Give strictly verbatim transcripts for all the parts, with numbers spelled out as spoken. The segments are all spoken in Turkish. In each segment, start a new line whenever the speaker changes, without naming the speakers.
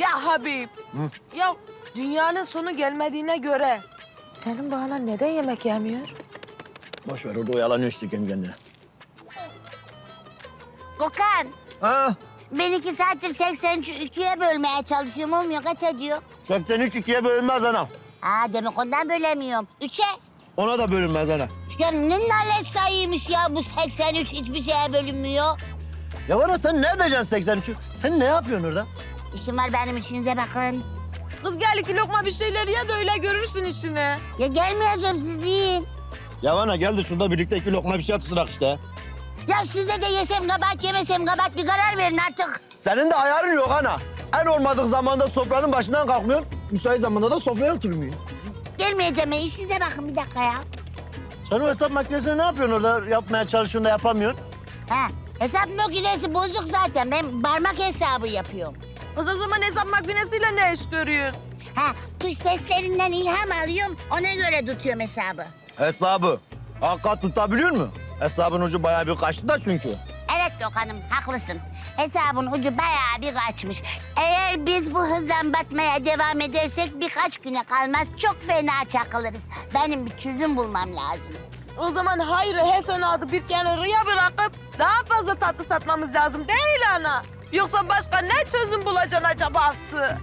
Ya Habib. Hı? Ya dünyanın sonu gelmediğine göre senin bu anan neden yemek yemiyor?
Boş ver, orada oyalanıyor işte kendi kendine.
Gökhan,
Ha?
ben iki saattir seksen üçü ikiye bölmeye çalışıyorum. Olmuyor, kaç ediyor?
seksen üç ikiye bölünmez ana.
Ha, demek ondan bölemiyorum. Üçe.
Ona da bölünmez ana.
Ya ne nalet sayıymış ya bu seksen üç, hiçbir şeye bölünmüyor.
Ya ana sen ne edeceksin seksen üçü? Sen ne yapıyorsun orada?
İşim var benim, işinize bakın.
Kız gel iki lokma bir şeyler ye de öyle görürsün işini.
Ya gelmeyeceğim, siz yiyin.
Ya ana gel de şurada birlikte iki lokma bir şey atıştırak işte.
Ya size de yesem kabahat, yemesem kabahat, bir karar verin artık.
Senin de ayarın yok ana. En olmadık zamanda sofranın başından kalkmıyorsun. Müsait zamanda da sofraya oturmuyorsun.
Gelmeyeceğim, ya, işinize bakın bir dakika ya.
Sen o hesap makinesini ne yapıyorsun orada? Yapmaya çalışıyorsun da yapamıyorsun.
Ha, hesap makinesi bozuk zaten. Ben parmak hesabı yapıyorum.
Kız o zaman hesap makinesiyle ne iş görüyorsun?
Ha, tuş seslerinden ilham alıyorum, ona göre tutuyorum hesabı.
Hesabı. Hakikat tutabiliyor mu? Hesabın ucu bayağı bir kaçtı da çünkü.
Evet Gökhan'ım, haklısın. Hesabın ucu bayağı bir kaçmış. Eğer biz bu hızdan batmaya devam edersek birkaç güne kalmaz çok fena çakılırız. Benim bir çözüm bulmam lazım.
O zaman hayrı hesenatı bir kenarıya bırakıp daha fazla tatlı satmamız lazım değil ana? Yoksa başka ne çözüm bulacaksın acabası?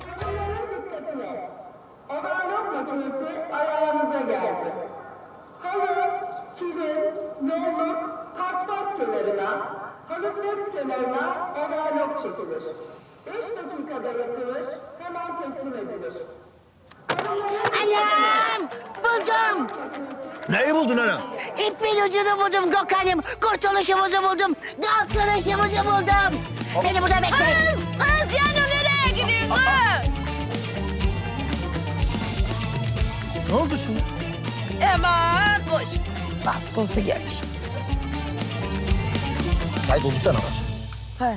Overlock makinesi ayağınıza geldi. Halı, kilim, yolluk, paspas kenarına, halı flex kenarına overlock çekilir. Beş dakikada yapılır, hemen teslim edilir.
Anam! Buldum!
Neyi buldun ana?
İpin ucunu buldum Gökhan'ım. Kurtuluşumuzu buldum. Kalkınışımızı buldum. Beni burada bekleyin.
Kız! Kız yani nereye gidiyorsun kız?
Ne oldu şimdi?
Aman boş. Nasıl olsa gelir.
Şahit oldursana baş.
He.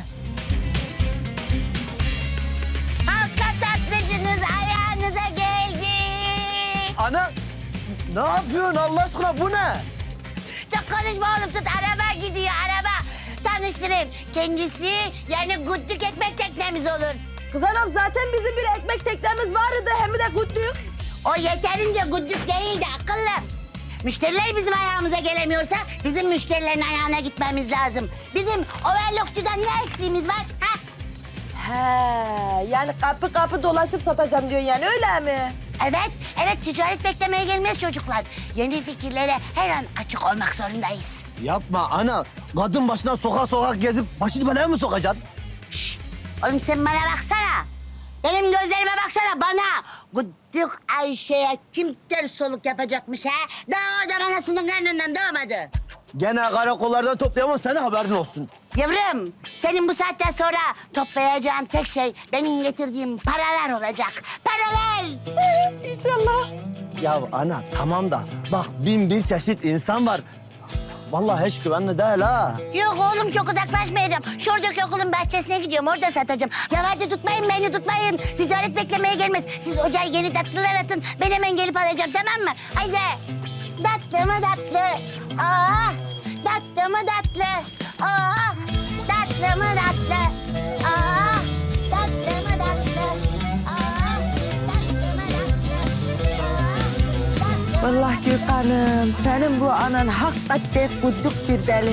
Halka tatlıcınız ayağınıza geldi.
Ana ne yapıyorsun Allah aşkına bu ne?
Çok konuşma oğlum, tut, araba gidiyor araba. Tanıştırayım. Kendisi yani güddük ekmek teknemiz olur.
Kız anam zaten bizim bir ekmek teknemiz vardı hem de kutluyor.
O yeterince güddük değildi akıllım. Müşteriler bizim ayağımıza gelemiyorsa bizim müşterilerin ayağına gitmemiz lazım. Bizim overlockçudan ne eksiğimiz var? Ha?
He, yani kapı kapı dolaşıp satacağım diyor yani öyle mi?
Evet, evet, ticaret beklemeye gelmez çocuklar. Yeni fikirlere her an açık olmak zorundayız.
Yapma ana. Kadın başına sokak sokak gezip başını belaya mı sokacaksın?
Şşş! Oğlum sen bana baksana. Benim gözlerime baksana, bana. Gıddık Ayşe'ye kim ters soluk yapacakmış ha? Daha o da anasının karnından doğmadı.
Gene karakollardan toplayamam sana haberin olsun.
Yavrum, senin bu saatten sonra toplayacağın tek şey benim getirdiğim paralar olacak. Paralar!
İnşallah.
Ya ana tamam da bak bin bir çeşit insan var. Vallahi hiç güvenli değil ha.
Yok oğlum, çok uzaklaşmayacağım. Şuradaki okulun bahçesine gidiyorum, orada satacağım. Yavaşça tutmayın beni, tutmayın. Ticaret beklemeye gelmez. Siz ocağa yeni tatlılar atın. Ben hemen gelip alacağım, tamam mı? Haydi. Tatlı mı tatlı? Aa, tatlı mı tatlı? Aa, tatlı mı tatlı? Aa, tatlı mı tatlı? Aa, tatlı mı tatlı? Aa, tatlı.
Vallahi Gökhan'ım senin bu anan hakikaten kuduk bir deli.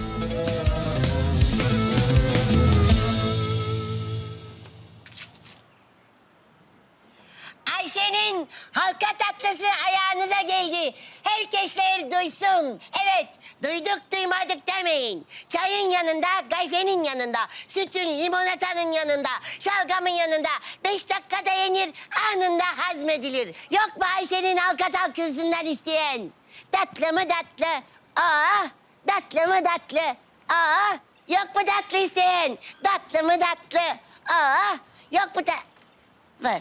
Ayşe'nin halka tatlısı ayağınıza geldi. Herkesler duysun. Evet, duyduk duymadık demeyin. Çayın yanında, gayfenin yanında, sütün, limonatanın yanında, şalgamın yanında. Beş dakikada yenir, anında hazmedilir. Yok mu Ayşe'nin halka tatlısı isteyen? Tatlı mı tatlı? Aa, tatlı mı tatlı? Aa, yok mu tatlı isteyen? Tatlı mı tatlı? Aa, yok mu da... Var.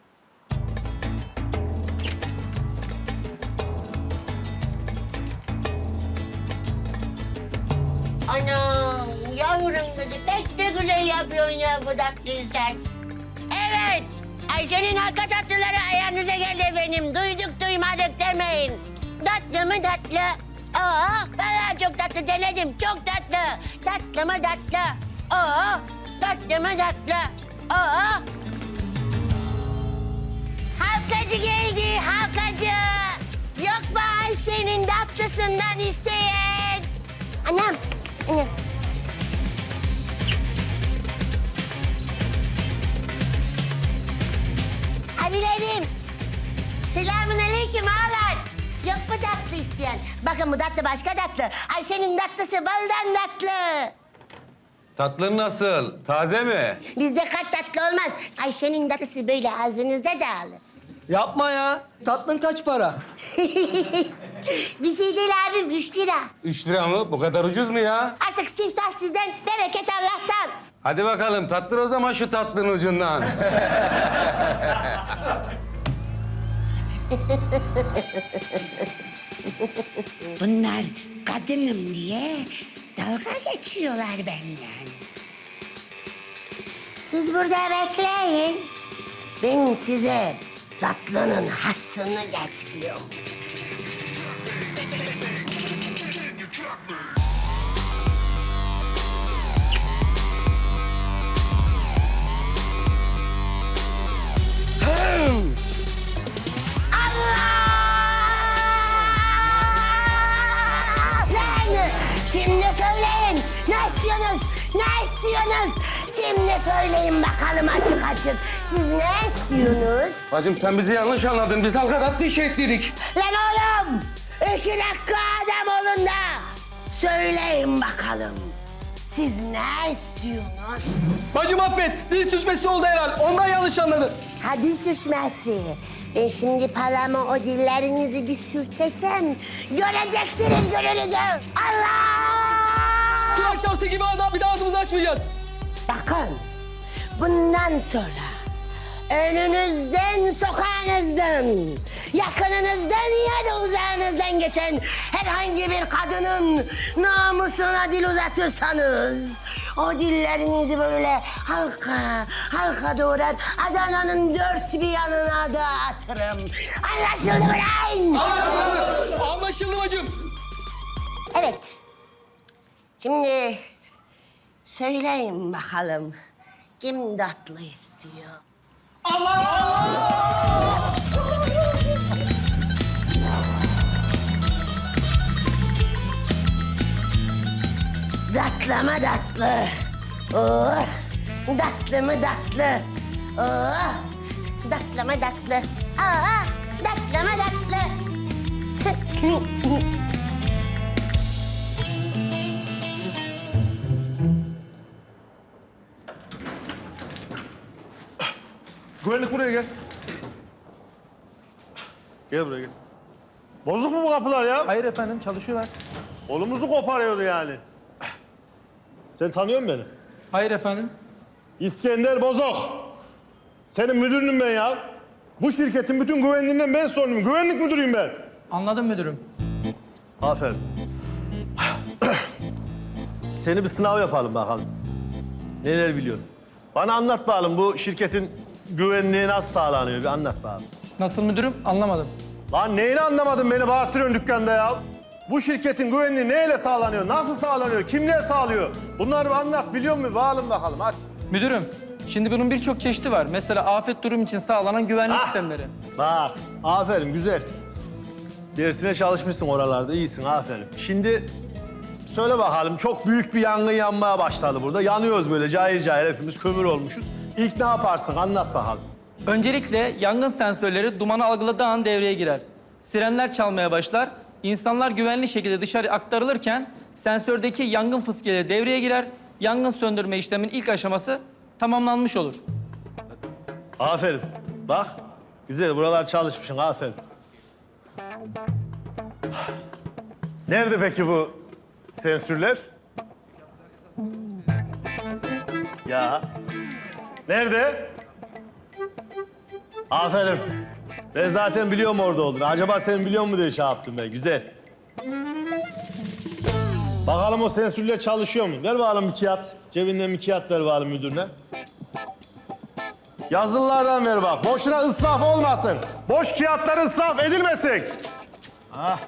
Anam, yavrum kızı pek de güzel yapıyorsun ya bu tatlıyı sen. Evet, Ayşe'nin halka tatlıları ayağınıza geldi efendim. Duyduk duymadık demeyin. Tatlı mı tatlı? Aa, vallahi çok tatlı denedim, çok tatlı. Tatlı mı tatlı? Aa, tatlı mı tatlı? Aa, Halkacı geldi, halkacı. Yok mu Ayşe'nin tatlısından isteyen? Anam, anam. Abilerim, selamun aleyküm ağalar. Yok mu tatlı isteyen? Bakın bu tatlı başka tatlı. Ayşe'nin tatlısı baldan tatlı.
Tatlın nasıl? Taze mi?
Bizde kart tatlı olmaz. Ayşe'nin tatlısı böyle ağzınızda dağılır.
Yapma ya. Tatlın kaç para?
Bir şey değil abim, üç lira.
Üç lira mı? Bu kadar ucuz mu ya?
Artık siftah sizden, bereket Allah'tan.
Hadi bakalım tattır o zaman şu tatlının ucundan.
Bunlar kadınım diye dalga geçiyorlar benden. Siz burada bekleyin. Ben size tatlının hassını getiriyorum. Allah! Lan! Şimdi söyleyin. Ne istiyorsunuz? Ne istiyorsunuz? Şimdi söyleyin bakalım açık açık. Siz ne istiyorsunuz?
Bacım sen bizi yanlış anladın. Biz halka tatlı işe ettirdik.
Lan oğlum! İki dakika adam olun da söyleyin bakalım. Siz ne istiyorsunuz?
Bacım affet. Dil sürçmesi oldu herhal. Ondan yanlış anladın.
Hadi sürçmesi. Ben şimdi paramı o dillerinizi bir sürteceğim. Göreceksiniz görünüzü. Allah!
Kulak şavsı gibi adam bir daha ağzımızı açmayacağız.
Bakın, bundan sonra önünüzden, sokağınızdan, yakınınızdan ya da uzağınızdan geçen herhangi bir kadının namusuna dil uzatırsanız o dillerinizi böyle halka, halka doğrar Adana'nın dört bir yanına dağıtırım. Anlaşıldı mı lan?
Anlaşıldı. Anlaşıldı bacım.
Evet. Şimdi söyleyin bakalım kim tatlı istiyor? Tatlı mı tatlı? Oh, tatlı mı tatlı? Oh, tatlı mı tatlı? Aa, tatlı mı tatlı?
Güvenlik buraya gel. Gel buraya gel. Bozuk mu bu kapılar ya?
Hayır efendim, çalışıyorlar.
Kolumuzu koparıyordu yani. Sen tanıyor musun beni?
Hayır efendim.
İskender Bozok. Senin müdürünüm ben ya. Bu şirketin bütün güvenliğinden ben sorumluyum. Güvenlik müdürüyüm ben.
Anladım müdürüm.
Aferin. Seni bir sınav yapalım bakalım. Neler biliyorsun? Bana anlat bakalım bu şirketin güvenliği nasıl sağlanıyor? Bir anlat bakalım.
Nasıl müdürüm? Anlamadım.
Lan neyini anlamadın beni bağırtırıyorsun dükkanda ya? Bu şirketin güvenliği neyle sağlanıyor? Nasıl sağlanıyor? Kimler sağlıyor? Bunları bir anlat biliyor musun? Bağalım bakalım hadi.
Müdürüm, şimdi bunun birçok çeşidi var. Mesela afet durum için sağlanan güvenlik
Ah!
sistemleri.
Bak aferin güzel. Dersine çalışmışsın oralarda iyisin aferin. Şimdi söyle bakalım çok büyük bir yangın yanmaya başladı burada. Yanıyoruz böyle cahil cahil hepimiz kömür olmuşuz. İlk ne yaparsın anlat bakalım.
Öncelikle yangın sensörleri dumanı algıladığı an devreye girer. Sirenler çalmaya başlar. İnsanlar güvenli şekilde dışarı aktarılırken sensördeki yangın fıskiyeleri devreye girer. Yangın söndürme işleminin ilk aşaması tamamlanmış olur.
Aferin. Bak güzel buralar çalışmışsın aferin. Nerede peki bu sensörler? Ya. Nerede? Aferin. Ben zaten biliyorum orada olduğunu. Acaba sen biliyor musun diye şey yaptım ben. Güzel. Bakalım o sensörler çalışıyor mu? Ver bakalım bir kağıt. Cebinden bir kağıt ver bakalım müdürüne. Yazılılardan ver bak. Boşuna ısraf olmasın. Boş kağıtlar ısraf edilmesin. Ah.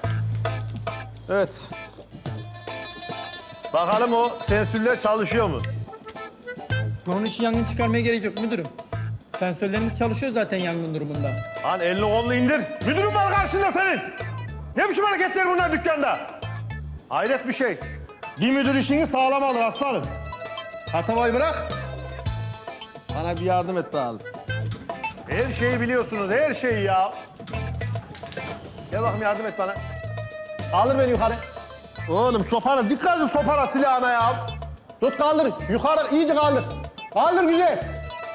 Evet. Bakalım o sensörler çalışıyor mu?
Bunun için yangın çıkarmaya gerek yok müdürüm. Sensörlerimiz çalışıyor zaten yangın durumunda.
Lan elini kolunu indir. Müdürün var karşında senin. Ne biçim hareketler bunlar dükkanda? Hayret bir şey. Bir müdür işini sağlam alır aslanım. Hatavayı bırak. Bana bir yardım et bakalım. Her şeyi biliyorsunuz, her şeyi ya. Gel bakayım yardım et bana. Kaldır beni yukarı. Oğlum sopana, dikkat et sopana silahına ya. Tut kaldır, yukarı iyice kaldır. Kaldır güzel.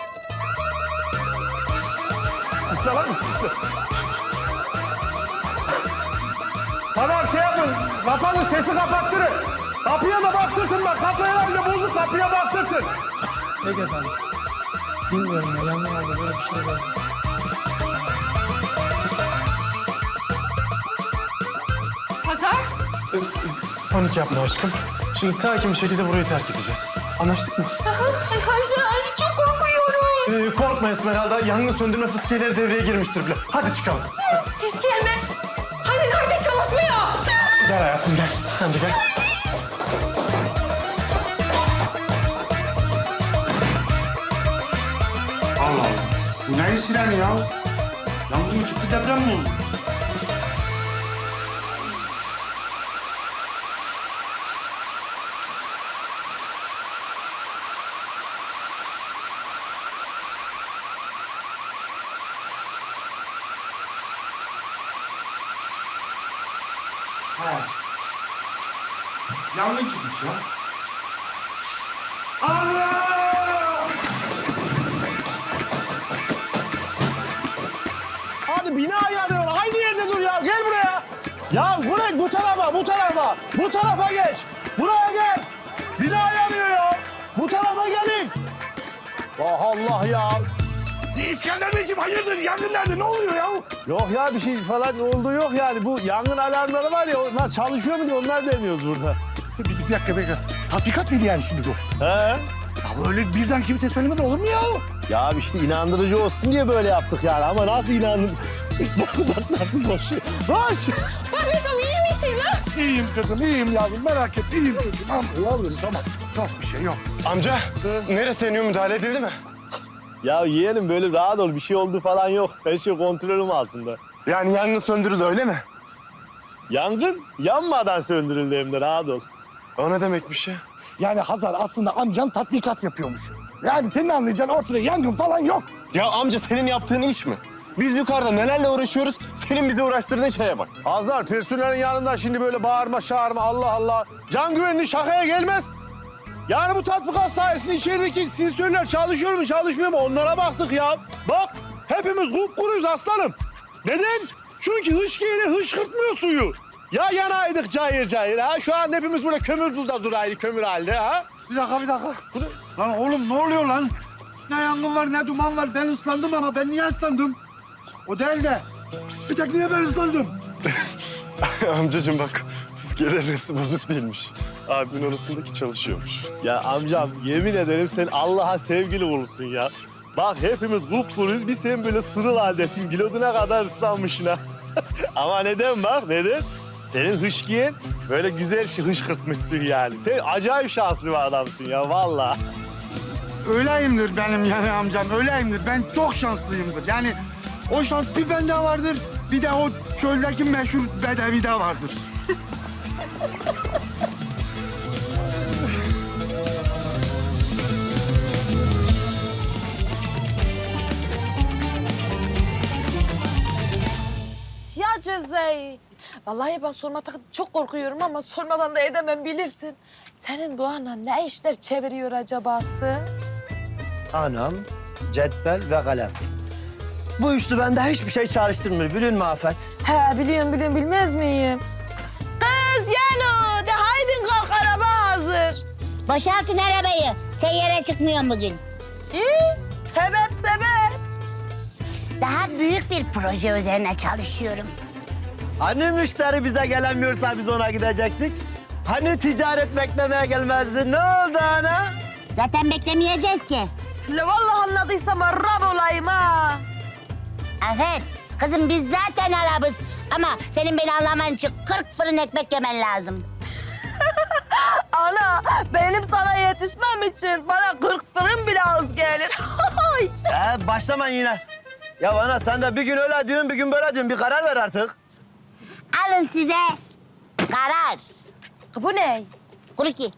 Çalar mısın? Tamam şey yapın, kapanın sesi kapattırın. Kapıya da baktırtın bak, kapı herhalde bozuk, kapıya baktırtın.
Peki efendim. Bilmiyorum ya, yangın oldu, böyle bir şey var.
Hazar?
Panik yapma aşkım. Şimdi sakin bir şekilde burayı terk edeceğiz. Anlaştık mı?
Hazar çok korkuyorum.
Ee, korkma Esmeralda. Yangın söndürme fıskiyeleri devreye girmiştir bile. Hadi çıkalım.
Fiskiye mi? Hani nerede çalışmıyor?
Gel hayatım gel. Sen de gel.
Allah Allah. Bu neyin sireni ya? Yangın mı çıktı, deprem mi oldu? He. Yangın çıkmış ya. Allah!
Hadi bina yanıyor. Aynı yerde dur ya. Gel buraya. Ya Gürek bu tarafa, bu tarafa. Bu tarafa geç. Buraya gel. Bina yanıyor ya. Bu tarafa gelin. Allah Allah ya.
İskender Beyciğim hayırdır? Yangın nerede? Ne oluyor ya?
Yok ya bir şey falan olduğu yok yani. Bu yangın alarmları var ya onlar çalışıyor mu diye onlar deniyoruz burada.
Bir, bir dakika, bir dakika. Tatbikat mıydı yani şimdi bu?
He?
Ya böyle birden kimse söylemedi olur mu ya?
Ya işte inandırıcı olsun diye böyle yaptık yani ama nasıl inanın? bak bak nasıl koşuyor. Koş!
Babacığım iyi misin lan?
İyiyim kızım, iyiyim yavrum. Merak etme, iyiyim çocuğum. Tamam yavrum, tamam. Yok bir şey yok.
Amca, neresi yanıyor? Müdahale edildi mi?
Ya yeğenim böyle rahat ol bir şey oldu falan yok. Her şey kontrolüm altında.
Yani yangın söndürüldü öyle mi?
Yangın yanmadan söndürüldü hem de rahat ol.
O ne demekmiş ya?
Yani Hazar aslında amcan tatbikat yapıyormuş. Yani senin anlayacağın ortada yangın falan yok.
Ya amca senin yaptığın iş mi? Biz yukarıda nelerle uğraşıyoruz, senin bizi uğraştırdığın şeye bak.
Azar personelin yanında şimdi böyle bağırma çağırma Allah Allah. Can güvenliği şakaya gelmez. Yani bu tatbikat sayesinde içerideki sensörler çalışıyor mu çalışmıyor mu onlara baktık ya. Bak hepimiz kupkuruyuz aslanım. Neden? Çünkü hışkiyle hışkırtmıyor suyu. Ya yanaydık cayır cayır ha. Şu an hepimiz böyle kömür bulda duraydı kömür halde ha.
Bir dakika, bir dakika. Lan oğlum ne oluyor lan? Ne yangın var, ne duman var. Ben ıslandım ama ben niye ıslandım? O değil de. Bir tek niye ben ıslandım?
Amcacığım bak, fıskiyelerin hepsi bozuk değilmiş. Abimin orasındaki çalışıyormuş.
Ya amcam yemin ederim sen Allah'a sevgili olursun ya. Bak hepimiz kupkuruyuz bir sen böyle sırıl haldesin. Giloduna kadar ıslanmışsın ha. Ama neden bak neden? Senin hışkiyen böyle güzel şey hışkırtmışsın yani. Sen acayip şanslı bir adamsın ya vallahi.
Öyleyimdir benim yani amcam, öyleyimdir. Ben çok şanslıyımdır. Yani o şans bir bende vardır, bir de o çöldeki meşhur bedevide vardır.
Ya Cevzey. Vallahi ben sormaktan çok korkuyorum ama sormadan da edemem bilirsin. Senin bu anan ne işler çeviriyor acabası?
Anam, cetvel ve kalem. Bu üçlü bende hiçbir şey çağrıştırmıyor. Biliyor musun Afet?
He biliyorum biliyorum bilmez miyim? Kız Yano de haydin kalk araba hazır.
Boşaltın arabayı. Seyyare çıkmıyorum bugün.
İyi sebep sebep.
Daha büyük bir proje üzerine çalışıyorum.
Hani müşteri bize gelemiyorsa biz ona gidecektik? Hani ticaret beklemeye gelmezdi? Ne oldu ana?
Zaten beklemeyeceğiz ki.
Le vallahi anladıysam Arap olayım ha.
Afet, kızım biz zaten Arabız. Ama senin beni anlaman için kırk fırın ekmek yemen lazım.
Ana benim sana yetişmem için bana kırk fırın bile az gelir.
Ee, başlama yine. Ya ana sen de bir gün öyle diyorsun, bir gün böyle diyorsun. Bir karar ver artık.
Alın size karar.
Bu ne?
Kuruki.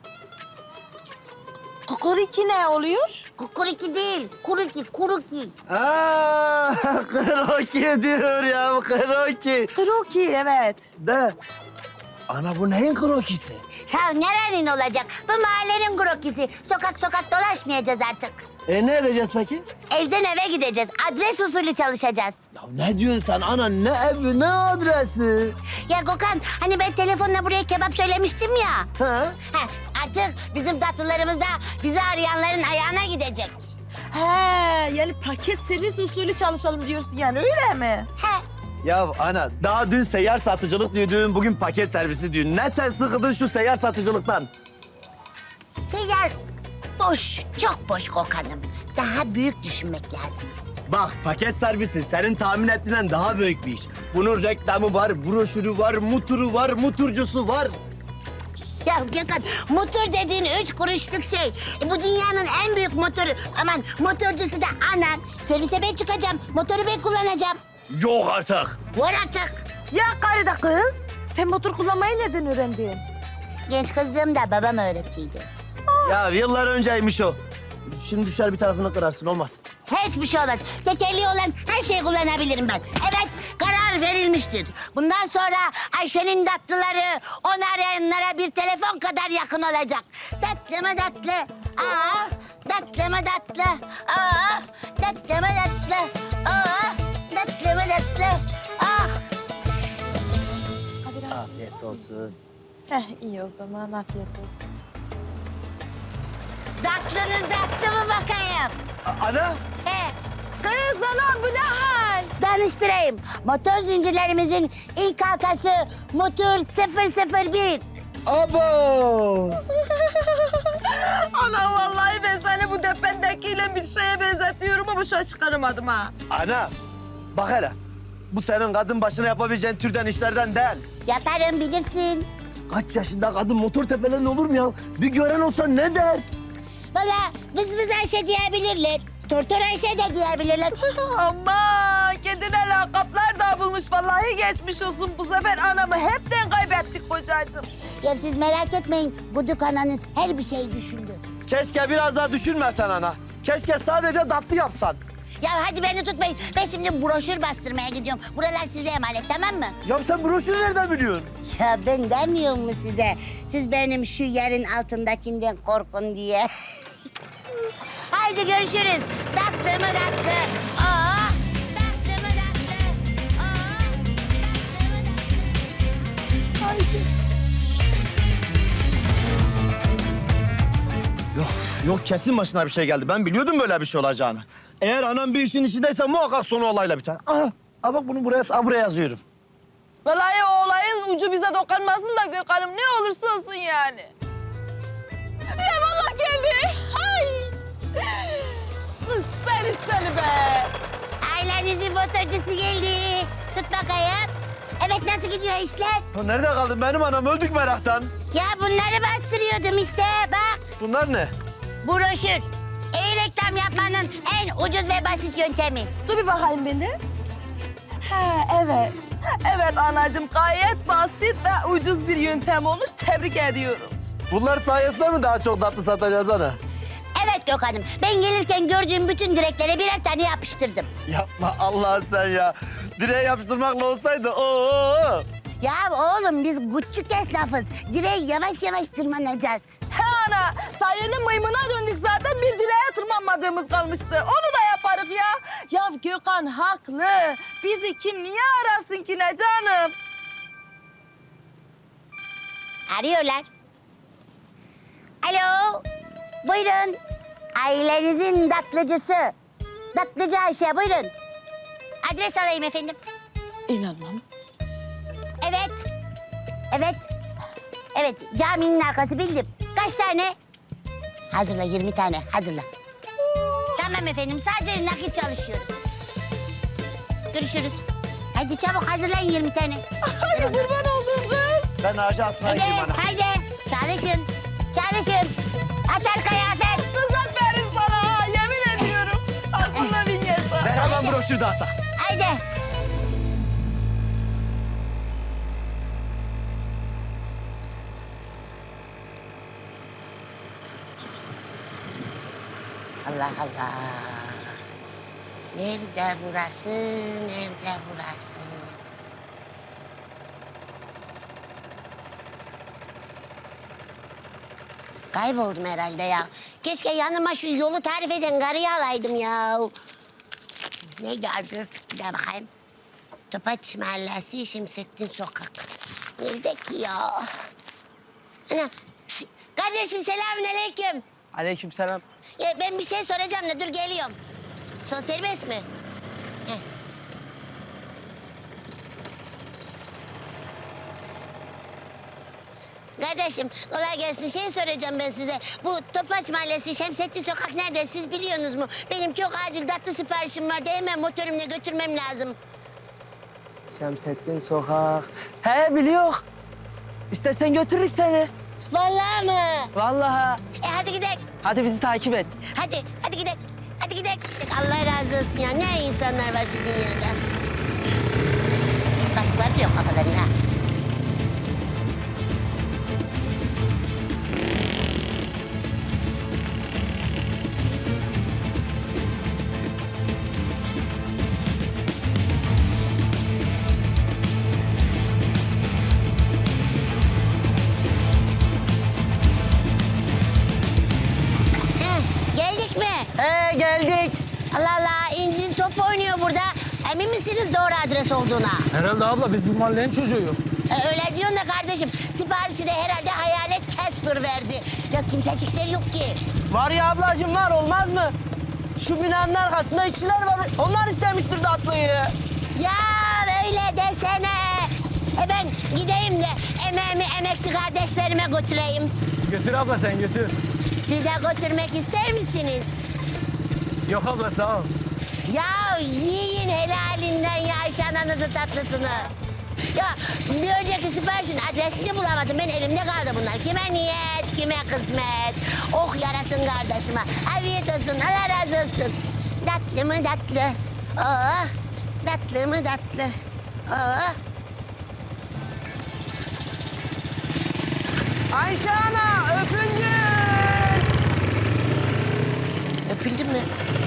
Kukuriki ne oluyor?
Kukuriki değil, kuruki, kuruki.
Aa, kroki diyor ya, kroki.
Kroki evet.
De. Ana bu neyin krokisi?
Ya nerenin olacak? Bu mahallenin krokisi. Sokak sokak dolaşmayacağız artık.
E ne edeceğiz peki?
Evden eve gideceğiz. Adres usulü çalışacağız.
Ya ne diyorsun sen ana? Ne evi, ne adresi?
Ya Gökhan, hani ben telefonla buraya kebap söylemiştim ya.
Ha?
Heh, artık bizim tatlılarımız da bizi arayanların ayağına gidecek.
He yani paket servis usulü çalışalım diyorsun yani öyle mi?
He.
Ya ana daha dün seyyar satıcılık diyordun, bugün paket servisi diyorsun. Ne ters sıkıldın şu seyyar satıcılıktan?
Seyyar boş, çok boş Gökhan'ım. Daha büyük düşünmek lazım.
Bak paket servisi senin tahmin ettiğinden daha büyük bir iş. Bunun reklamı var, broşürü var, muturu var, muturcusu var.
Ya Gökhan, motor dediğin üç kuruşluk şey. E, bu dünyanın en büyük motoru. Aman motorcusu da anan. Servise ben çıkacağım, motoru ben kullanacağım.
Yok artık.
Var artık.
Ya karı da kız. Sen motor kullanmayı nereden öğrendin?
Genç kızlığımda babam öğrettiydi.
Ya yıllar önceymiş o. Şimdi düşer bir tarafını kırarsın, olmaz.
Hiçbir şey olmaz. Tekerleği olan her şeyi kullanabilirim ben. Evet, karar verilmiştir. Bundan sonra Ayşe'nin tatlıları onu arayanlara bir telefon kadar yakın olacak. Tatlı mı tatlı? Aa, tatlı mı tatlı? Aa, tatlı mı tatlı? Aa, tatlı mı tatlı? Aa.
Afiyet olsun.
Heh iyi o zaman afiyet olsun.
Tatlınız tatlı mı bakayım?
A- ana?
He.
Kız anam bu ne hal?
Danıştırayım. Motor zincirlerimizin ilk halkası motor sıfır sıfır bir.
Abo!
Ana vallahi ben seni bu dependekiyle bir şeye benzetiyorum ama şu an çıkaramadım ha.
Ana, bak hele. Bu senin kadın başına yapabileceğin türden işlerden değil.
Yaparım bilirsin.
Kaç yaşında kadın motor tepelerin olur mu ya? Bir gören olsa ne der?
Valla vız vız Ayşe diyebilirler. Tortor Ayşe de diyebilirler.
Ama kendine lakaplar da bulmuş vallahi geçmiş olsun. Bu sefer anamı hepten kaybettik kocacığım.
Ya siz merak etmeyin. Guduk ananız her bir şeyi düşündü.
Keşke biraz daha düşünmesen ana. Keşke sadece tatlı yapsan.
Ya hadi beni tutmayın. Ben şimdi broşür bastırmaya gidiyorum. Buralar size emanet, tamam mı?
Ya sen broşürü nereden biliyorsun?
Ya ben demiyor mu size? Siz benim şu yerin altındakinden korkun diye. Haydi görüşürüz. Tatlı mı tatlı? Aa, tatlı mı tatlı? Aa, tatlı mı tatlı? Haydi.
Yok, yok kesin başına bir şey geldi. Ben biliyordum böyle bir şey olacağını. Eğer anam bir işin içindeyse muhakkak sonu olayla biter. Aha, aha bak bunu buraya, buraya yazıyorum.
Vallahi o olayın ucu bize dokunmasın da Gökhan'ım ne olursa olsun yani. Ya vallahi geldi. Ay. Kız seni seni be.
Ailenizin motorcusu geldi. Tut bakayım. Evet, nasıl gidiyor işler?
Ya nerede kaldın benim anam? Öldük meraktan.
Ya bunları bastırıyordum işte, bak.
Bunlar ne?
Broşür. İyi reklam yapmanın en ucuz ve basit yöntemi.
Dur bir bakayım beni. Ha evet. Evet anacığım gayet basit ve ucuz bir yöntem olmuş. Tebrik ediyorum.
Bunlar sayesinde mi daha çok tatlı satacağız ana?
Evet Gökhan'ım, ben gelirken gördüğüm bütün direklere birer tane yapıştırdım.
Yapma Allah sen ya. Direğe yapıştırmakla olsaydı oo.
Ya oğlum biz küçük esnafız. Direğe yavaş yavaş tırmanacağız.
He ana sayende maymuna döndük zaten bir direğe tırmanmadığımız kalmıştı. Onu da yaparız ya. Ya Gökhan haklı. Bizi kim niye arasın ki ne canım?
Arıyorlar. Alo, buyurun. Ailenizin tatlıcısı. Tatlıcı Ayşe, buyurun. Adres alayım efendim.
İnanmam.
Evet. Evet. Evet, caminin arkası bildim. Kaç tane? Hazırla, yirmi tane, hazırla. Tamam efendim, sadece nakit çalışıyoruz. Görüşürüz. Hadi çabuk hazırlayın yirmi tane.
Ay kurban olduğum kız.
Ben ağaca asmaya
Hadi,
gideyim ana.
hadi. Çalışın. Çalışın. Atar kıyafet.
Kız aferin sana ha, yemin ediyorum. Aklına bin yaşa.
Ver hemen broşür dağıta.
Haydi. Allah Allah. Nerede burası? Nerede burası? Kayboldum herhalde ya. Keşke yanıma şu yolu tarif eden karıyı alaydım ya. Neydi adı? Bir daha bakayım. Topaç Mahallesi, Şemsettin Sokak. Nerede ki ya? Ana. Kardeşim selamünaleyküm.
Aleykümselam.
Ya ben bir şey soracağım da dur geliyorum. Son serbest mi? Heh. Kardeşim kolay gelsin. Şey soracağım ben size. Bu Topaç Mahallesi Şemsettin Sokak nerede? Siz biliyorsunuz mu? Benim çok acil tatlı siparişim vardı. Hemen motorumla götürmem lazım.
Şemsettin Sokak. He biliyor. İstersen götürürük seni.
Vallahi mı?
Vallahi.
E hadi gidelim.
Hadi bizi takip et.
Hadi, hadi gidelim. Hadi gidelim. Allah razı olsun ya. Ne insanlar var şu dünyada. Kasklar da yok kafalarına. Heh, geldik mi?
He geldik.
Allah Allah, İnci'nin top oynuyor burada. Emin misiniz doğru adres olduğuna?
Herhalde abla biz bu mahallenin çocuğuyuz.
E, öyle diyorsun da kardeşim, siparişi de herhalde hayalet Casper verdi. Ya kimsecikleri yok ki.
Var ya ablacığım var olmaz mı? Şu binanın arkasında işçiler var. Onlar istemiştir tatlıyı.
Ya öyle desene. E ben gideyim de emeğimi emekçi kardeşlerime götüreyim.
Götür abla sen götür.
Siz de götürmek ister misiniz?
Yok abla sağ ol.
Ya yiyin helalinden ya Ayşe ananızın tatlısını. Ya bir önceki siparişin adresini bulamadım. Ben elimde kaldı bunlar. Kime niyet, kime kısmet. Oh yarasın kardeşime. Afiyet olsun, Allah razı olsun. Tatlı mı tatlı. Oh, tatlı mı tatlı. Oh.
Ayşe ana öpüncük.
Öpüldün mü?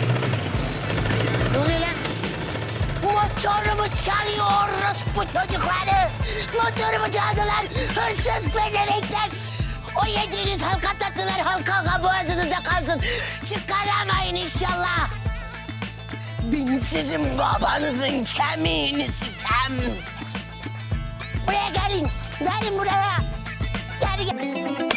Ne oluyor lan? Motorumu çalıyor bu çocukları. Motorumu çaldılar. Hırsız bedenekler. O yediğiniz halka tatlılar halka halka boğazınızda kalsın. Çıkaramayın inşallah. Ben sizin babanızın kemiğini sikem. Buraya gelin. Gelin buraya. Gel gel.